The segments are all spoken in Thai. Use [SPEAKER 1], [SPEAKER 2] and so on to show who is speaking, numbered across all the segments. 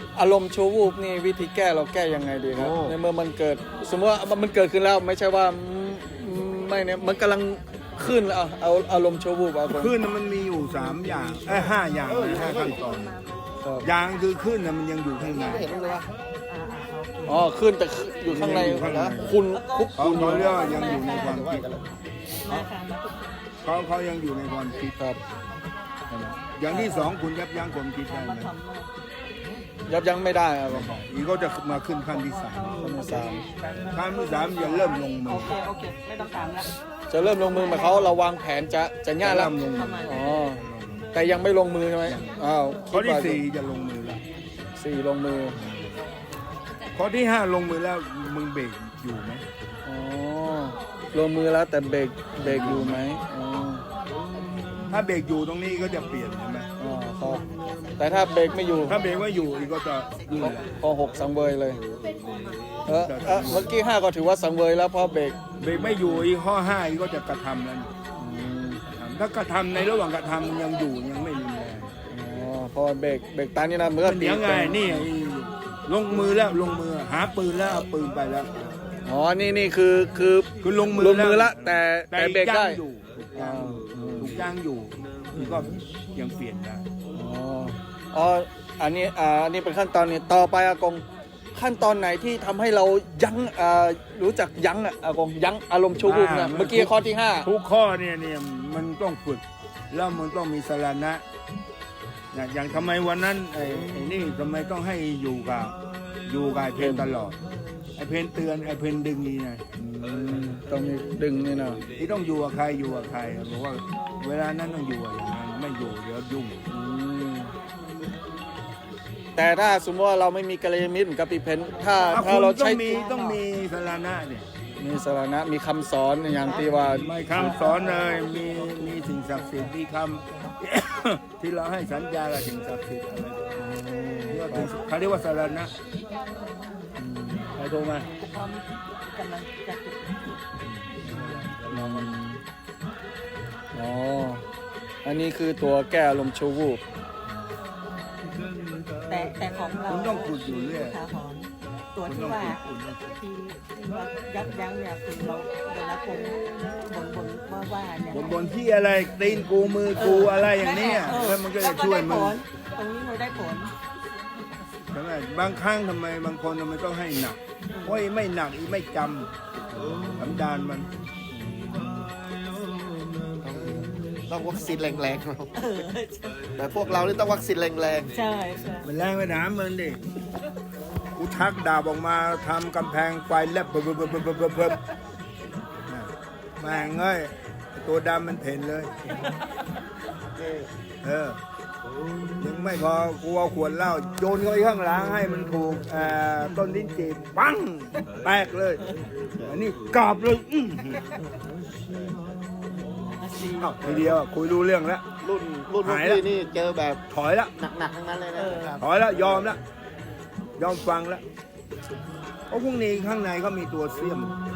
[SPEAKER 1] อารมณ์ชั่ววูบนี่วิธีแก้เราแก้ยังไงดีครับในเมื่อมันเกิดสมมติว่ามันเกิดขึ้นแล้วไม่ใช่ว่าไม่เนี่ยมันกำลังขึ้นแล้วเอาอารมณ์ชั่ววูบเอา
[SPEAKER 2] ขึ้นมันมีอยู่3 อย่าง5 อย่างนะ5 ขั้นตอนอย่างคือขึ้นมันยังอยู่ข้างใน
[SPEAKER 1] อ๋อขึ้นแต่อยู่ข้างในนะคุณคุก
[SPEAKER 2] เขาเรียกว่ายังอยู่ในความคิดเขายังอยู่ในความคิด
[SPEAKER 1] ครับ
[SPEAKER 2] อย่างที่2คุณยับยั้งความคิดได้ไหม
[SPEAKER 1] ยับยั้งไม่ได้ครับ
[SPEAKER 2] อีกก็จะมาขึ้นขั้นที่ 3
[SPEAKER 1] ขั้นที่
[SPEAKER 2] ขั้นที่ 3จะเริ่มลงมือ
[SPEAKER 3] โอเคไม่ต้องถามแล้ว
[SPEAKER 1] 3จะเริ่มลงมือหมายเขามเราวางแผนจะง่ายแล้ว
[SPEAKER 2] เริ่มลงมือ
[SPEAKER 1] อ๋อแต่ยังไม่ลงมือใช่ไหมอ้าว
[SPEAKER 2] ข้อที่ 4จะลงมือแล้ว
[SPEAKER 1] สี่ลงมือ
[SPEAKER 2] ข้อที่ 5ลงมือแล้วมึงเบรกอยู่ไหม
[SPEAKER 1] อ๋อลงมือแล้วแต่เบรกอยู่ไหมอ๋อ
[SPEAKER 2] ถ้าเบรกอยู่ตรงนี้ก็จะเปลี่ยนใช่ไหม
[SPEAKER 1] อ๋อครับแต่ถ้าเบรกไม่อยู่
[SPEAKER 2] ถ้าเบรกไม่อยู่อีกก็จะลื่นแหละ
[SPEAKER 1] พอ6สังเวยเลยเมื่อกี้5ก็ถือว่าสังเวยแล้วพอเบรก
[SPEAKER 2] เบรกไม่อยู่อีกข้อ5อีกก็จะกระทำแล้ว
[SPEAKER 1] อืม
[SPEAKER 2] ถ้ากระทำในระหว่างกระทำยังอยู่ยังไม่รุนแรง
[SPEAKER 1] อ๋อพอเบรกตามนี่นะเมื่อ
[SPEAKER 2] มันเดี๋ยวไงนี่ลงมือแล้วลงมือหาปืนแล้วเอาปืนไปแล้ว
[SPEAKER 1] อ๋อนี่คือ
[SPEAKER 2] ลงมือ
[SPEAKER 1] ลงมือละแต่เบรกได้
[SPEAKER 2] ย่างอยู่ถูกย่างอยู่นี่ก็ยังเปลี่ยนได้
[SPEAKER 1] อ๋ออันนี้เป็นขั้นตอนนี้ต่อไปอากงขั้นตอนไหนที่ทำให้เรายั้งรู้จักยั้งอากงยั้งอารมณ์ชั่ววูบเนี่ยเมื่อกี้ข้อที่5
[SPEAKER 2] ทุกข้อเนี่ยมันต้องฝึกแล้วมันต้องมีสรณะอย่างทำไมวันนั้นไอ้นี่ทำไมต้องให้อยู่กับไอ้เพนตลอดไอ้เพนเตือนไอ้เพนดึงนี่ไง
[SPEAKER 1] ต้องมีดึงนี่นะ
[SPEAKER 2] ที่ต้องอยู่กับใครบอกว่าเวลานั้นต้องอยู่อย่างนั้นไม่อยู่เดี๋ยวยุ่ง
[SPEAKER 1] แต่ถ้าสมมติว่าเราไม่มีกัลยาณมิตรกับปีเพนถ้า
[SPEAKER 2] คุณ
[SPEAKER 1] เรา
[SPEAKER 2] ต้อ
[SPEAKER 1] ใช้
[SPEAKER 2] งมีสรณะเนี่ย
[SPEAKER 1] มีสาระมีคำสอนอย่างที่ว่า
[SPEAKER 2] ไม่คำสอนเลยมีสิ่งศักดิ์สิทธิ์มีคำ ที่เราให้สัญญากับสิ่งศักดิ์สิทธิ์อะไรเขาเรียกว่าสรณะใครโทรมา
[SPEAKER 3] พร้อมกำลังจะจุด
[SPEAKER 1] อ๋ออันนี้คือตัวแก้อารมณ์ชั่ววูบ
[SPEAKER 3] แต่ของเรา
[SPEAKER 2] คุณต้องฝึกอยู่เรื่อย
[SPEAKER 3] ขาหอนตัวที่ว่าที่ว่ายับยั้งเนี่ยคือเราเวลาคนว่าเนี่ย
[SPEAKER 2] บนที่อะไรตีนกูมือกูอะไรอย่างเนี้ยแล้วมันก็จะช่วยมึง
[SPEAKER 3] ตรงนี้เราได้ผล
[SPEAKER 2] ใช่ไหมบางครั้งทำไมบางคนทำไมต้องให้หนักเพราะไม่หนักอีไม่จำสันดานมัน
[SPEAKER 4] ต้องวัคซีนแรงๆเราแต่พวกเรานี่ต้องวัคซีนแรง
[SPEAKER 3] ใช่ใช่
[SPEAKER 2] มันแรงไปถามมันดิกูชักดาบออกมาทำกำแพงไฟแลบเบิ่มแม่งเอ้ยตัวดำมันเพ่นเลยยังไม่พอกูเอาขวดเหล้าโยนเข้าไปข้างหลังให้มันถูกต้นลิ้นจีบปังแตกเลยอันนี้กรอบเลยทีเดียวคุยรู้เรื่องแล้ว
[SPEAKER 4] ๆรุ่นพวก
[SPEAKER 2] หายแล้ว
[SPEAKER 4] พี่นี่เจอแบบ
[SPEAKER 2] ถอยแล้ว
[SPEAKER 4] หนักๆทั้งนั้นเลยนะครับ
[SPEAKER 2] ถอยแล้วยอมแล้วยอมฟังแล้วเพราะพรุ่งนี้ข้างในเขามีตัวเสี้ยม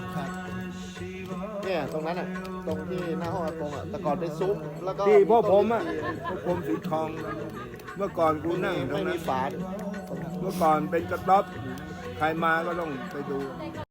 [SPEAKER 4] เนี่ยตรงนั้นอ่ะตรงที่หน้าห้องอากงอ่ะแต่ก่อนเป็นซุ้มแล้วก็
[SPEAKER 2] ที่พ่อผมอ่ะพ่อผมสีทองเมื่อก่อนกูนั่งตร
[SPEAKER 4] ไม่
[SPEAKER 2] งนั้
[SPEAKER 4] มี
[SPEAKER 2] น
[SPEAKER 4] ฝา
[SPEAKER 2] เมื่อก่อนเป็นกระต๊อบใครมาก็ต้องไปดู